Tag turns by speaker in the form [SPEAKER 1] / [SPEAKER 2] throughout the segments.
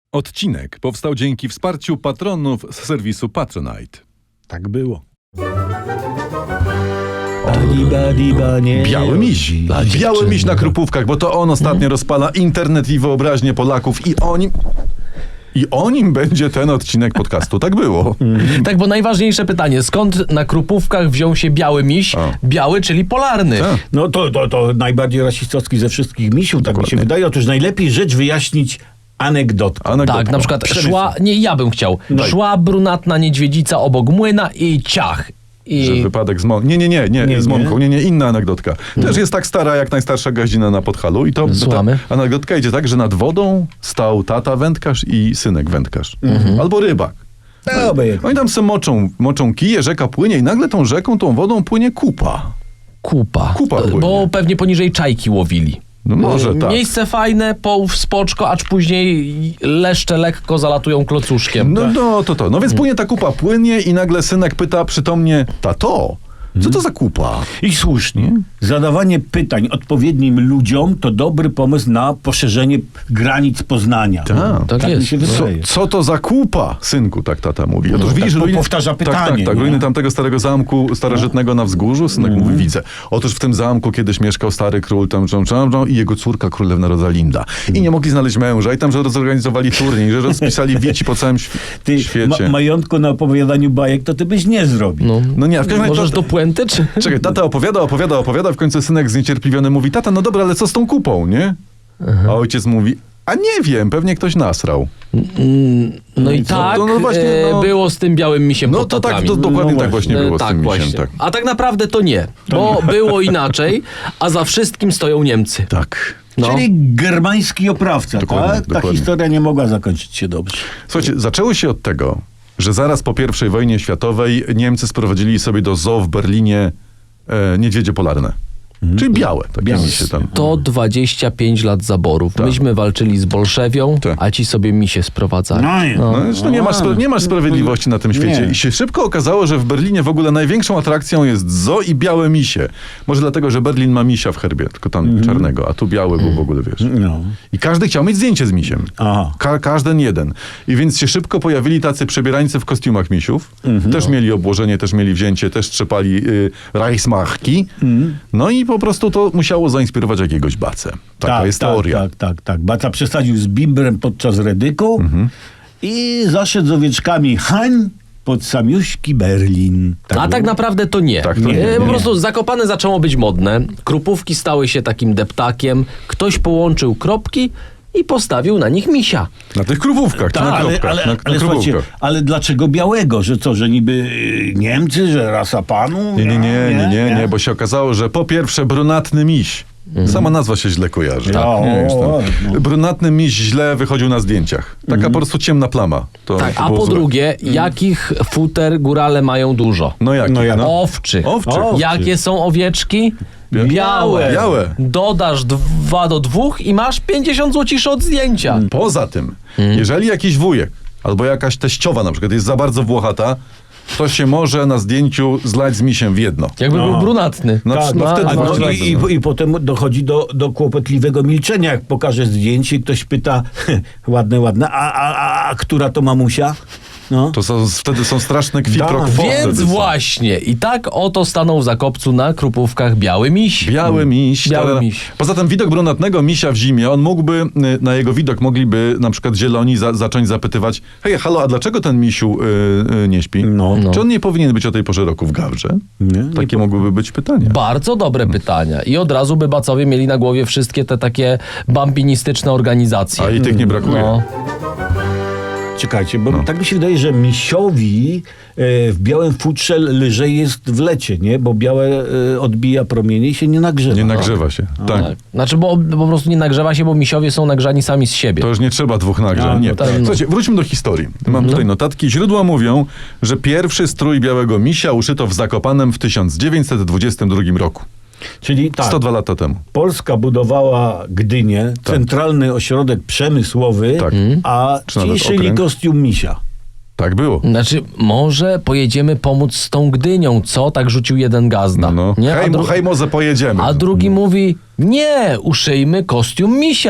[SPEAKER 1] Odcinek powstał dzięki wsparciu patronów z serwisu Patronite.
[SPEAKER 2] Tak było.
[SPEAKER 1] Biały miś. Biały miś na Krupówkach, bo to on ostatnio rozpala internet i wyobraźnię Polaków i o nim będzie ten odcinek podcastu. Tak było.
[SPEAKER 3] Tak, bo najważniejsze pytanie, skąd na Krupówkach wziął się biały miś? Biały, czyli polarny.
[SPEAKER 2] No to najbardziej rasistowski ze wszystkich misiów, tak mi się wydaje. Otóż najlepiej rzecz wyjaśnić anegdotką.
[SPEAKER 3] Tak, na przykład ja bym chciał. Szła brunatna niedźwiedzica obok młyna i ciach.
[SPEAKER 1] Że wypadek z mąką. Nie, z mąką. Nie, inna anegdotka. Też jest tak stara, jak najstarsza gaździna na Podhalu. I to ta anegdotka idzie tak, że nad wodą stał tata wędkarz i synek wędkarz. Albo rybak. Oni tam se moczą kije, rzeka płynie i nagle tą rzeką, tą wodą płynie kupa.
[SPEAKER 3] Kupa
[SPEAKER 1] płynie.
[SPEAKER 3] Bo pewnie poniżej czajki łowili.
[SPEAKER 1] No może tak.
[SPEAKER 3] Miejsce fajne, połów spoczko, acz później leszcze lekko zalatują klocuszkiem.
[SPEAKER 1] No więc płynie ta kupa, płynie i nagle synek pyta przytomnie: tato, co to za kupa?
[SPEAKER 2] I słusznie. Zadawanie pytań odpowiednim ludziom to dobry pomysł na poszerzenie granic poznania.
[SPEAKER 3] Tak jest.
[SPEAKER 2] Mi się wydaje.
[SPEAKER 1] Co to za kupa, synku, tak tata mówi. Otóż widzisz,
[SPEAKER 2] powtarza pytanie.
[SPEAKER 1] Tak, ruiny tamtego starego zamku starożytnego na wzgórzu. Synek mówi: widzę. Otóż w tym zamku kiedyś mieszkał stary król i jego córka królewna Rosalinda. I nie mogli znaleźć męża. I tam, że zorganizowali turniej, że rozpisali wieci po całym świecie.
[SPEAKER 2] Majątku na opowiadaniu bajek to ty byś nie zrobił.
[SPEAKER 1] No nie, a w każdym razie
[SPEAKER 3] Możesz do puenty, czy?
[SPEAKER 1] Czekaj, tata opowiada, w końcu synek zniecierpliwiony mówi: tata, no dobra, ale co z tą kupą, nie? A ojciec mówi: a nie wiem, pewnie ktoś nasrał.
[SPEAKER 3] No i tak było z tym białym misiem pod Tatrami.
[SPEAKER 1] Dokładnie tak właśnie było z tym misiem. Tak.
[SPEAKER 3] A tak naprawdę to nie, bo było inaczej, a za wszystkim stoją Niemcy.
[SPEAKER 1] Tak.
[SPEAKER 2] Czyli germański oprawca,
[SPEAKER 1] Dokładnie,
[SPEAKER 2] tak? Ta
[SPEAKER 1] dokładnie.
[SPEAKER 2] historia nie mogła zakończyć się dobrze.
[SPEAKER 1] Słuchajcie, zaczęło się od tego, że zaraz po I wojnie światowej Niemcy sprowadzili sobie do zoo w Berlinie niedźwiedzie polarne. Czyli białe. Misie tam.
[SPEAKER 3] 125 lat zaborów. Myśmy walczyli z Bolszewią, a ci sobie misie sprowadzali.
[SPEAKER 1] Zresztą nie masz sprawiedliwości na tym świecie. I się szybko okazało, że w Berlinie w ogóle największą atrakcją jest zoo i białe misie. Może dlatego, że Berlin ma misia w herbie, tylko tam czarnego, a tu biały był w ogóle, wiesz. I każdy chciał mieć zdjęcie z misiem. Każdy jeden. I więc się szybko pojawili tacy przebierańcy w kostiumach misiów. Też mieli obłożenie, też mieli wzięcie, też trzepali Reichsmarki. No i po prostu to musiało zainspirować jakiegoś Bacę. Taka jest teoria.
[SPEAKER 2] Tak. Baca przesadził z bimbrem podczas redyku i zaszedł z owieczkami hań pod samiuśki Berlin.
[SPEAKER 3] Tak naprawdę to nie. Po prostu Zakopane zaczęło być modne. Krupówki stały się takim deptakiem. Ktoś połączył kropki i postawił na nich misia.
[SPEAKER 1] Na tych krupówkach,
[SPEAKER 2] ale słuchajcie, ale dlaczego białego? Że co, że niby Niemcy, że rasa panu?
[SPEAKER 1] Nie, bo się okazało, że po pierwsze brunatny miś. Sama nazwa się źle kojarzy. Brunatny miś źle wychodził na zdjęciach. Taka po prostu ciemna plama.
[SPEAKER 3] A po drugie, jakich futer górale mają dużo? Owczych. Jakie są owieczki? Białe. Dodasz 2 do 2 i masz 50 złociszy od zdjęcia.
[SPEAKER 1] Poza tym, jeżeli jakiś wujek albo jakaś teściowa na przykład jest za bardzo włochata, to się może na zdjęciu zlać z misiem w jedno.
[SPEAKER 3] Jakby był brunatny.
[SPEAKER 2] I potem dochodzi do kłopotliwego milczenia, jak pokaże zdjęcie i ktoś pyta: ładne, a która to mamusia?
[SPEAKER 1] To wtedy są straszne quid pro quo.
[SPEAKER 3] Więc właśnie. I tak oto stanął w Zakopcu na Krupówkach biały miś.
[SPEAKER 1] Biały miś. Poza tym widok brunatnego misia w zimie, on mógłby, na jego widok mogliby na przykład zieloni zacząć zapytywać: hej, halo, a dlaczego ten misiu nie śpi? Czy on nie powinien być o tej porze roku w gawrze? Takie mogłyby być pytania.
[SPEAKER 3] Bardzo dobre pytania. I od razu by Bacowie mieli na głowie wszystkie te takie bambinistyczne organizacje.
[SPEAKER 1] A i tych nie brakuje.
[SPEAKER 2] Czekajcie, bo tak mi się wydaje, że misiowi w białym futrze lżej jest w lecie, nie? Bo białe odbija promienie i się nie nagrzewa.
[SPEAKER 1] Nie nagrzewa się, tak.
[SPEAKER 3] Znaczy, bo po prostu nie nagrzewa się, bo misiowie są nagrzani sami z siebie.
[SPEAKER 1] To już nie trzeba 2 nagrzeń. Słuchajcie, wróćmy do historii. Mam tutaj notatki. Źródła mówią, że pierwszy strój białego misia uszyto w Zakopanem w 1922 roku.
[SPEAKER 2] Czyli
[SPEAKER 1] 102 lata temu.
[SPEAKER 2] Polska budowała Gdynię, centralny ośrodek przemysłowy, a ci szyli kostium misia.
[SPEAKER 1] Tak było.
[SPEAKER 3] Znaczy, może pojedziemy pomóc z tą Gdynią, co? Tak rzucił jeden gazda.
[SPEAKER 1] Nie? Hej, może pojedziemy.
[SPEAKER 3] A drugi mówi: nie, uszyjmy kostium misia.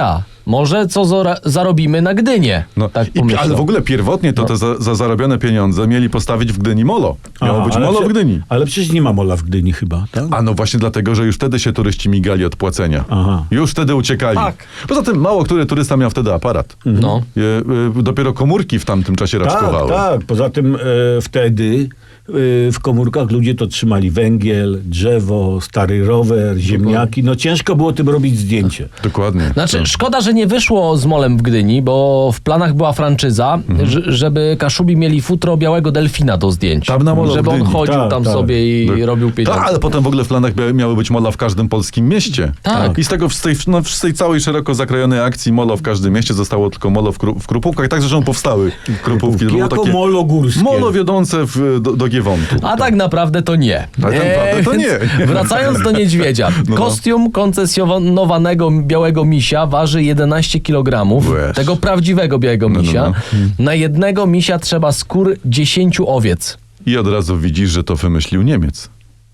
[SPEAKER 3] może co zarobimy na Gdynię.
[SPEAKER 1] No,
[SPEAKER 3] tak
[SPEAKER 1] ale w ogóle pierwotnie to te za zarobione pieniądze mieli postawić w Gdyni molo. Miało być molo w Gdyni.
[SPEAKER 2] Ale przecież nie ma mola w Gdyni chyba, tak?
[SPEAKER 1] A no właśnie dlatego, że już wtedy się turyści migali od płacenia.
[SPEAKER 2] Aha.
[SPEAKER 1] Już wtedy uciekali.
[SPEAKER 3] Tak.
[SPEAKER 1] Poza tym mało który turysta miał wtedy aparat.
[SPEAKER 3] No.
[SPEAKER 1] Dopiero komórki w tamtym czasie raczkowały.
[SPEAKER 2] Tak. Poza tym wtedy w komórkach ludzie to trzymali węgiel, drzewo, stary rower, ziemniaki. No ciężko było tym robić zdjęcie.
[SPEAKER 1] Dokładnie.
[SPEAKER 3] Znaczy, szkoda, że nie wyszło z molem w Gdyni, bo w planach była franczyza, żeby Kaszubi mieli futro białego delfina do zdjęć.
[SPEAKER 1] Tam na molo w
[SPEAKER 3] żeby on
[SPEAKER 1] Gdyni.
[SPEAKER 3] chodził tam sobie i robił pieniądze.
[SPEAKER 1] Ale potem w ogóle w planach miały być mola w każdym polskim mieście.
[SPEAKER 3] Tak.
[SPEAKER 1] I z tego z tej całej szeroko zakrojonej akcji molo w każdym mieście zostało tylko molo w Krupówkach. Tak zresztą powstały Krupówki. To było
[SPEAKER 2] Jako
[SPEAKER 1] takie
[SPEAKER 2] molo górskie.
[SPEAKER 1] molo wiodące do Giewontu.
[SPEAKER 3] A tak naprawdę to nie.
[SPEAKER 1] Tak naprawdę to nie.
[SPEAKER 3] Wracając do niedźwiedzia. Kostium koncesjonowanego białego misia waży 11 kg.
[SPEAKER 1] Łeż.
[SPEAKER 3] Tego prawdziwego białego misia. Na jednego misia trzeba skór 10 owiec.
[SPEAKER 1] I od razu widzisz, że to wymyślił Niemiec.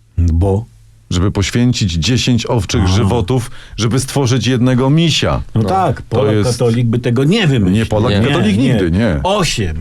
[SPEAKER 2] Bo?
[SPEAKER 1] Żeby poświęcić 10 owczych żywotów, żeby stworzyć jednego misia.
[SPEAKER 2] No tak, Polak
[SPEAKER 1] jest-
[SPEAKER 2] katolik by tego nie wymyślił.
[SPEAKER 1] Nie, Polak katolik nigdy, nie.
[SPEAKER 2] 8,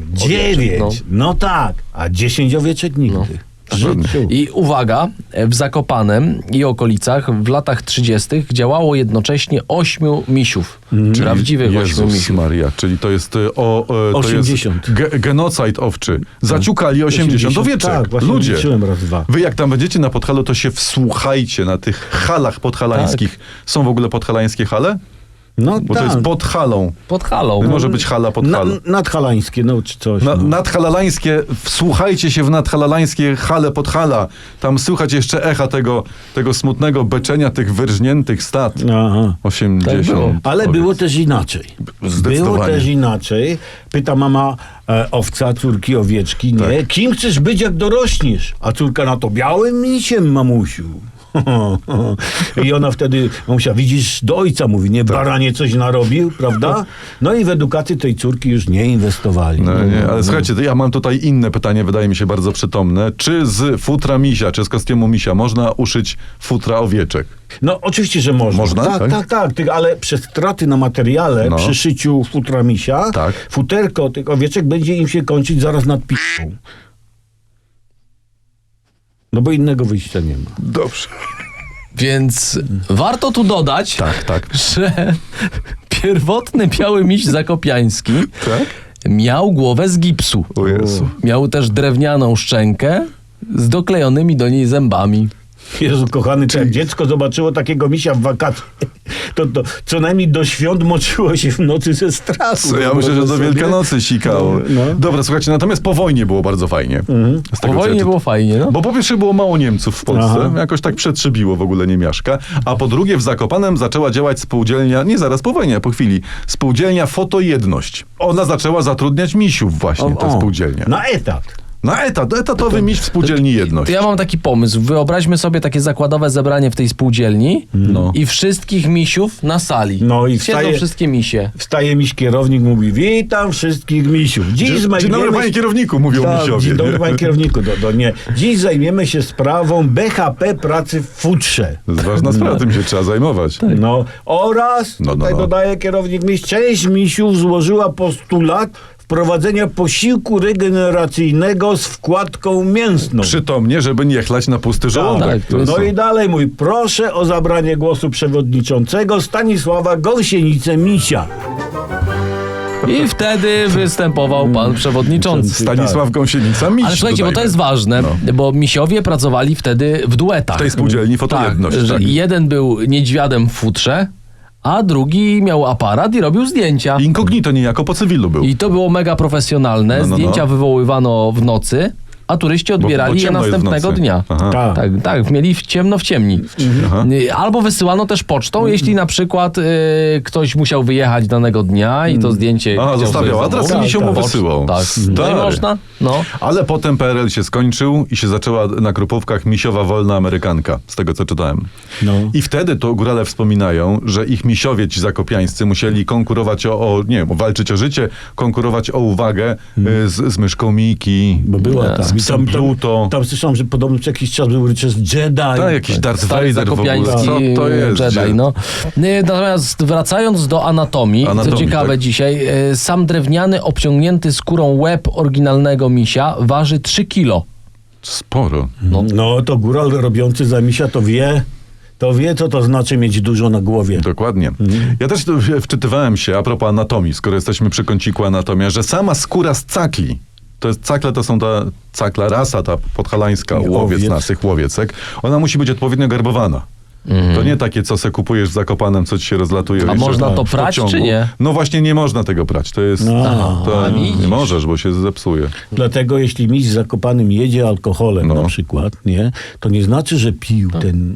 [SPEAKER 2] 9, no tak, a 10 owieczek nigdy. W życiu.
[SPEAKER 3] I uwaga, w Zakopanem i okolicach w latach 30. działało jednocześnie 8 misiów. Prawdziwych 8
[SPEAKER 1] Jezus
[SPEAKER 3] misiów.
[SPEAKER 1] Maria, czyli to jest to
[SPEAKER 2] 80.
[SPEAKER 1] jest genocid owczy. Zaciukali 80 owieczek.
[SPEAKER 2] Tak, właśnie
[SPEAKER 1] Ludzie.
[SPEAKER 2] liczyłem raz, dwa.
[SPEAKER 1] Wy jak tam będziecie na Podhalu, to się wsłuchajcie na tych halach podhalańskich. Są w ogóle podhalańskie hale?
[SPEAKER 2] No
[SPEAKER 1] Bo
[SPEAKER 2] tak.
[SPEAKER 1] to jest pod halą.
[SPEAKER 3] Pod halą.
[SPEAKER 1] Może być hala pod halą.
[SPEAKER 2] Nadhalańskie, no czy coś.
[SPEAKER 1] Nadhalalańskie, wsłuchajcie się w nadhalalańskie hale pod hala. Tam słychać jeszcze echa tego smutnego beczenia tych wyrżniętych stad.
[SPEAKER 2] Aha.
[SPEAKER 1] 80.
[SPEAKER 3] Tak było.
[SPEAKER 2] Ale było też inaczej.
[SPEAKER 1] Zdecydowanie.
[SPEAKER 2] Było też inaczej. Pyta mama owca, córki owieczki, nie?
[SPEAKER 1] Tak.
[SPEAKER 2] Kim chcesz być, jak dorośniesz? A córka na to, białym misiem, mamusiu. I ona wtedy, mamusia, widzisz, do ojca mówi, nie, baranie coś narobił, prawda? No i w edukację tej córki już nie inwestowali.
[SPEAKER 1] No, nie, ale słuchajcie, to ja mam tutaj inne pytanie, wydaje mi się bardzo przytomne. Czy z futra misia, czy z kostiumu misia można uszyć futra owieczek?
[SPEAKER 2] No oczywiście, że można.
[SPEAKER 1] Można,
[SPEAKER 2] Tak. Ale przez straty na materiale przy szyciu futra misia,
[SPEAKER 1] Tak.
[SPEAKER 2] futerko tych owieczek będzie im się kończyć zaraz nad piszą. No bo innego wyjścia nie ma.
[SPEAKER 1] Dobrze.
[SPEAKER 3] Więc warto tu dodać,
[SPEAKER 1] Tak.
[SPEAKER 3] że pierwotny biały miś zakopiański
[SPEAKER 1] Tak?
[SPEAKER 3] miał głowę z gipsu.
[SPEAKER 1] O Jezu.
[SPEAKER 3] Miał też drewnianą szczękę z doklejonymi do niej zębami.
[SPEAKER 2] Jezu kochany, czy jak dziecko zobaczyło takiego misia w wakacje, to co najmniej do świąt moczyło się w nocy ze strachu.
[SPEAKER 1] Ja myślę, że do Wielkanocy sikało.
[SPEAKER 2] No.
[SPEAKER 1] Dobra, słuchajcie, natomiast po wojnie było bardzo fajnie. Z
[SPEAKER 3] Po
[SPEAKER 1] tego, co
[SPEAKER 3] wojnie
[SPEAKER 1] ja
[SPEAKER 3] było fajnie, no.
[SPEAKER 1] Bo po pierwsze było mało Niemców w Polsce,
[SPEAKER 2] Aha.
[SPEAKER 1] jakoś tak przetrzebiło w ogóle niemiaszka, a po drugie w Zakopanem zaczęła działać spółdzielnia, nie zaraz po wojnie, po chwili, spółdzielnia Fotojedność. Ona zaczęła zatrudniać misiów właśnie, ta spółdzielnia.
[SPEAKER 2] Na etat.
[SPEAKER 1] Na etatowy miś w spółdzielni Jedność.
[SPEAKER 3] To ja mam taki pomysł. Wyobraźmy sobie takie zakładowe zebranie w tej spółdzielni i wszystkich misiów na sali.
[SPEAKER 2] No i
[SPEAKER 3] Siedzą wszystkie misie.
[SPEAKER 2] Wstaje miś kierownik, mówi, witam wszystkich misiów.
[SPEAKER 1] Dzień dobry, panie kierowniku, mówią misiowie.
[SPEAKER 2] Dzień dobry,
[SPEAKER 1] nie?
[SPEAKER 2] panie kierowniku. Nie. Dziś zajmiemy się sprawą BHP pracy w futrze.
[SPEAKER 1] To jest ważna sprawa, tym się trzeba zajmować.
[SPEAKER 2] No oraz, tutaj dodaje kierownik miś, część misiów złożyła postulat wprowadzenia posiłku regeneracyjnego z wkładką mięsną.
[SPEAKER 1] Przytomnie, żeby nie chlać na pusty żołądek.
[SPEAKER 3] Tak, to jest-
[SPEAKER 2] No i dalej mój, proszę o zabranie głosu przewodniczącego Stanisława Gąsienicę-Misia.
[SPEAKER 3] I wtedy występował pan przewodniczący.
[SPEAKER 1] Stanisław Gąsienica, miś.
[SPEAKER 3] Ale słuchajcie, bo to jest ważne, bo misiowie pracowali wtedy w duetach.
[SPEAKER 1] W tej spółdzielni Fotojedność.
[SPEAKER 3] Tak, że
[SPEAKER 1] Tak.
[SPEAKER 3] jeden był niedźwiadem w futrze, a drugi miał aparat i robił zdjęcia.
[SPEAKER 1] Inkognito niejako po cywilu był.
[SPEAKER 3] I to było mega profesjonalne.
[SPEAKER 1] No.
[SPEAKER 3] Zdjęcia wywoływano w nocy, a turyści odbierali je
[SPEAKER 1] ciemno jest w
[SPEAKER 3] następnego
[SPEAKER 1] nocy.
[SPEAKER 3] dnia.
[SPEAKER 1] Aha.
[SPEAKER 3] Tak, mieli w ciemni.
[SPEAKER 1] Aha.
[SPEAKER 3] Albo wysyłano też pocztą, jeśli na przykład ktoś musiał wyjechać danego dnia i to zdjęcie...
[SPEAKER 1] A,
[SPEAKER 3] chciał
[SPEAKER 1] zostawiał
[SPEAKER 3] sobie
[SPEAKER 1] adres i
[SPEAKER 3] zamówić.
[SPEAKER 1] misio mu wysyłał.
[SPEAKER 3] Tak, no i
[SPEAKER 1] Stary.
[SPEAKER 3] można. No.
[SPEAKER 1] Ale potem PRL się skończył i się zaczęła na Krupówkach misiowa wolna amerykanka, z tego co czytałem.
[SPEAKER 2] No.
[SPEAKER 1] I wtedy to górale wspominają, że ich misiowie ci zakopiańscy musieli konkurować walczyć o życie, konkurować o uwagę z myszką Miki,
[SPEAKER 2] Bo była
[SPEAKER 1] z Pluto.
[SPEAKER 2] Tam słyszałem, że podobno co jakiś czas był Richard Jedi.
[SPEAKER 1] Tak, jakiś Darth
[SPEAKER 3] Stary
[SPEAKER 1] Vader w ogóle.
[SPEAKER 3] zakopiański
[SPEAKER 1] Co to jest?
[SPEAKER 3] Jedi, no. Natomiast wracając do anatomii, co ciekawe
[SPEAKER 1] tak.
[SPEAKER 3] dzisiaj, sam drewniany, obciągnięty skórą łeb oryginalnego misia waży 3 kilo.
[SPEAKER 1] Sporo.
[SPEAKER 2] No to góral robiący za misia to wie, co to znaczy mieć dużo na głowie.
[SPEAKER 1] Dokładnie. Ja też tu wczytywałem się, a propos anatomii, skoro jesteśmy przy kąciku anatomia, że sama skóra z cakli, cakle to są ta cakla rasa, ta podhalańska, łowiec naszych łowiecek, ona musi być odpowiednio garbowana. To nie takie, co se kupujesz w Zakopanem, co ci się rozlatuje.
[SPEAKER 3] A można to prać, czy nie?
[SPEAKER 1] No właśnie nie można tego prać. To jest... nie możesz, bo się zepsuje.
[SPEAKER 2] Dlatego jeśli miś z Zakopanym jedzie alkoholem na przykład, nie, to nie znaczy, że pił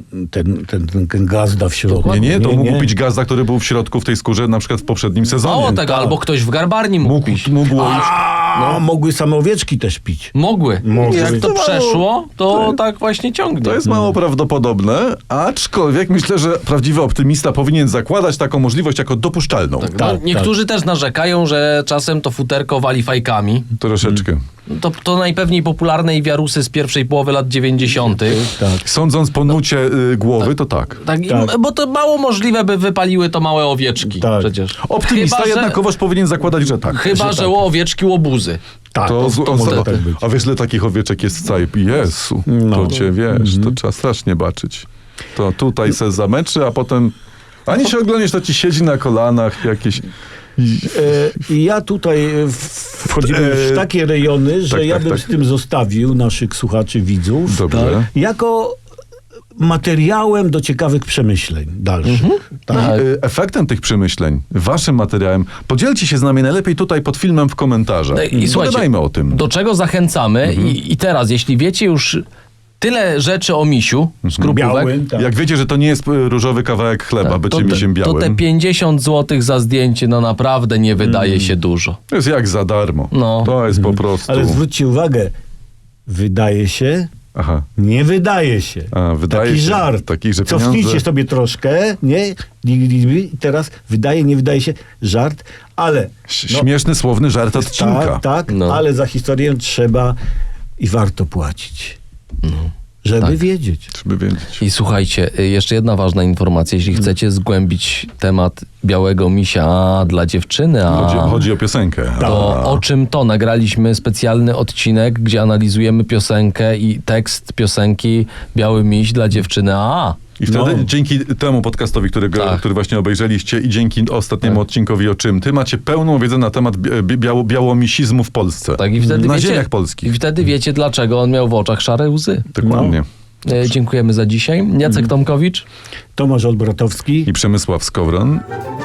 [SPEAKER 2] ten gazda w środku.
[SPEAKER 1] Nie, to mógł pić gazda, który był w środku w tej skórze, na przykład w poprzednim sezonie.
[SPEAKER 3] Mało tego, albo ktoś w garbarni mógł pić.
[SPEAKER 2] Mogły same owieczki też pić.
[SPEAKER 3] Mogły. Jak to przeszło, to tak właśnie ciągnie.
[SPEAKER 1] To jest mało prawdopodobne, aczkolwiek myślę, że prawdziwy optymista powinien zakładać taką możliwość jako dopuszczalną.
[SPEAKER 3] Niektórzy też narzekają, że czasem to futerko wali fajkami.
[SPEAKER 1] Troszeczkę.
[SPEAKER 3] To najpewniej popularne wiarusy z pierwszej połowy lat 90.
[SPEAKER 1] Tak. Sądząc po nucie głowy, to tak.
[SPEAKER 3] Bo to mało możliwe, by wypaliły to małe owieczki. Przecież.
[SPEAKER 1] Optymista jednakowoż powinien zakładać, że tak.
[SPEAKER 3] Chyba, że owieczki łobuzy.
[SPEAKER 2] Tak,
[SPEAKER 1] a wiesz, ile takich owieczek jest w całej... Jezu, to cię wiesz, to trzeba strasznie baczyć. To tutaj se zameczy, a potem ani się oglądasz, to ci siedzi na kolanach jakieś...
[SPEAKER 2] I ja tutaj wchodzimy w takie rejony, że ja bym z tym zostawił naszych słuchaczy, widzów.
[SPEAKER 1] Dobrze.
[SPEAKER 2] Jako materiałem do ciekawych przemyśleń dalszych.
[SPEAKER 1] Efektem tych przemyśleń, waszym materiałem, podzielcie się z nami najlepiej tutaj pod filmem w komentarzach.
[SPEAKER 3] I
[SPEAKER 1] pogadajmy o tym.
[SPEAKER 3] Do czego zachęcamy i teraz, jeśli wiecie już tyle rzeczy o misiu, skrupówek.
[SPEAKER 2] Białym,
[SPEAKER 1] Jak wiecie, że to nie jest różowy kawałek chleba, bycie misiem białym.
[SPEAKER 3] To te 50 zł za zdjęcie, no naprawdę nie wydaje się dużo.
[SPEAKER 1] To jest jak za darmo. To jest po prostu...
[SPEAKER 2] Ale zwróćcie uwagę, wydaje się, nie wydaje się.
[SPEAKER 1] Wydaje
[SPEAKER 2] taki
[SPEAKER 1] się,
[SPEAKER 2] żart.
[SPEAKER 1] że
[SPEAKER 2] Cofnijcie sobie troszkę, nie? I teraz wydaje, nie wydaje się, żart, ale...
[SPEAKER 1] Śmieszny, słowny żart odcinka.
[SPEAKER 2] Tak, ale za historię trzeba i warto płacić. Żeby wiedzieć.
[SPEAKER 3] I słuchajcie, jeszcze jedna ważna informacja. Jeśli chcecie zgłębić temat białego misia dla dziewczyny,
[SPEAKER 1] chodzi o piosenkę.
[SPEAKER 3] To o czym to? Nagraliśmy specjalny odcinek, gdzie analizujemy piosenkę i tekst piosenki Biały miś dla dziewczyny
[SPEAKER 1] I wtedy dzięki temu podcastowi, który właśnie obejrzeliście i dzięki ostatniemu odcinkowi o czym ty, macie pełną wiedzę na temat białomisizmu w Polsce.
[SPEAKER 3] I wtedy
[SPEAKER 1] na ziemiach polskich.
[SPEAKER 3] I wtedy wiecie, dlaczego on miał w oczach szare łzy.
[SPEAKER 1] Dokładnie.
[SPEAKER 3] Dziękujemy za dzisiaj. Jacek Tomkowicz.
[SPEAKER 2] Tomasz Olbratowski.
[SPEAKER 1] I Przemysław Skowron.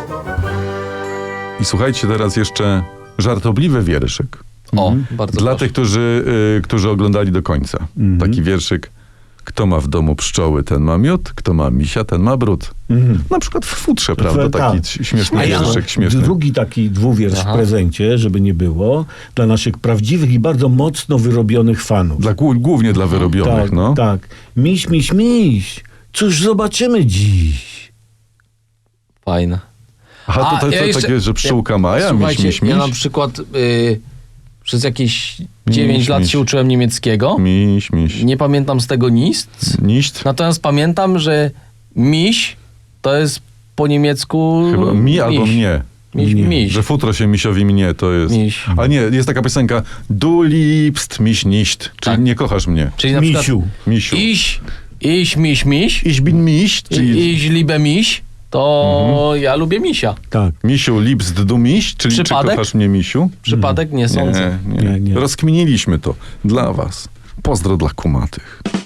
[SPEAKER 1] I słuchajcie teraz jeszcze żartobliwy wierszyk.
[SPEAKER 3] Bardzo
[SPEAKER 1] dla tych, którzy oglądali do końca. Taki wierszyk. Kto ma w domu pszczoły, ten ma miód, kto ma misia, ten ma brud. Na przykład w futrze, prawda? Taki śmieszny wierszyk.
[SPEAKER 2] Drugi taki dwuwiersz w prezencie, żeby nie było, dla naszych prawdziwych i bardzo mocno wyrobionych fanów.
[SPEAKER 1] Głównie dla wyrobionych,
[SPEAKER 2] Tak. Miś, miś, miś. Cóż zobaczymy dziś?
[SPEAKER 3] Fajne.
[SPEAKER 1] To takie, że pszczółka Maja, miś, miś, miś.
[SPEAKER 3] Ja na przykład... Przez jakieś 9 lat się uczyłem niemieckiego.
[SPEAKER 1] Miś.
[SPEAKER 3] Nie pamiętam z tego nic. Natomiast pamiętam, że miś to jest po niemiecku...
[SPEAKER 1] Chyba mi albo mnie.
[SPEAKER 3] Miś.
[SPEAKER 1] Że futro się misiowi mnie, to jest...
[SPEAKER 3] Miś.
[SPEAKER 1] A nie, jest taka piosenka Du liebst mich nicht, czyli nie kochasz mnie.
[SPEAKER 3] Czyli na
[SPEAKER 2] Misiu.
[SPEAKER 3] Ich miś.
[SPEAKER 1] Ich bin miś.
[SPEAKER 3] Ich liebe miś. To ja lubię misia.
[SPEAKER 2] Tak.
[SPEAKER 1] Misiu, liebst du mich? Czyli czy kochasz mnie, misiu?
[SPEAKER 3] Przypadek? Nie sądzę.
[SPEAKER 1] Nie. Rozkminiliśmy to dla was. Pozdro dla kumatych.